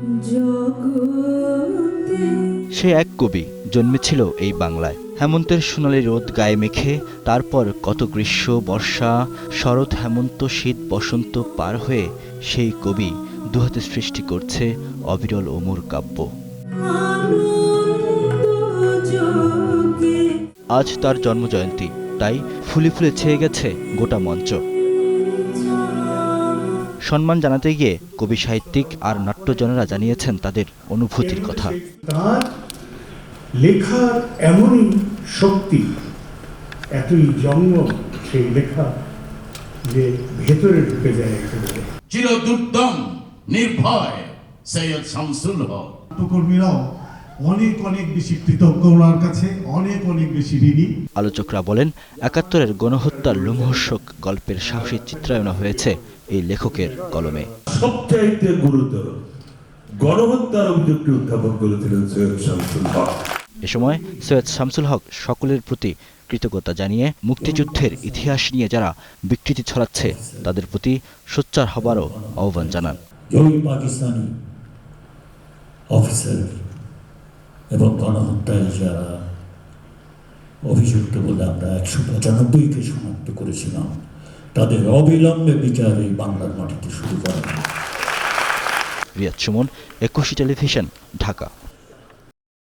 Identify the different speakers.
Speaker 1: সে এক কবি জন্মেছিল এই বাংলায়। হেমন্তের সোনালি রোদ গায়ে মেখে, তারপর কত গ্রীষ্ম, বর্ষা, শরৎ, হেমন্ত, শীত, বসন্ত পার হয়ে সেই কবি দুহাতে সৃষ্টি করছে অবিরল অমর কাব্য। আজ তার জন্মজয়ন্তী, তাই ফুলে ফুলে ছেয়ে গেছে গোটা মঞ্চ। সম্মান জানাতে গিয়ে কবি, সাহিত্যিক আর নাট্যজনেরা জানিয়েছেন তাদের অনুভূতির কথা।
Speaker 2: তার লেখার এমনই শক্তি, এতই জন্ম সেই লেখা যে ভেতরে ঢুকে যায় একেবারে।
Speaker 3: চিরদুর্দম নির্ভয় সৈয়দ শামসুল হক।
Speaker 4: নাট্যকর্মীরাও অনেক অনেক বেশি কৃতজ্ঞ ওনার কাছে, অনেক অনেক বেশি ঋণী।
Speaker 1: আলোচকরা বলেন, ৭১-এর গণহত্যার লোমহর্ষক গল্পের সাহসী চিত্রায়ন হয়েছে এই লেখকের কলমে।
Speaker 5: সবচাইতে গুরুতর গণহত্যার অভিযোগটি উত্থাপন করেছিলেন সৈয়দ শামসুল হক।
Speaker 1: এ সময় সৈয়দ শামসুল হক সকলের প্রতি কৃতজ্ঞতা জানিয়ে মুক্তিযুদ্ধের ইতিহাস নিয়ে যারা বিকৃতি ছড়াচ্ছে তাদের প্রতি সোচ্চার হবারও আহ্বান জানান।
Speaker 6: ওই পাকিস্তানি অফিসার এবং গণহত্যায় যারা অভিযুক্ত বলে আমরা ১৯৫কে শনাক্ত করেছিলাম, তাদের অবিলম্বে বিচার এই বাংলার মাটিতে শুরু করা।
Speaker 1: রিয়াদ সুমন, একুশে টেলিভিশন, ঢাকা।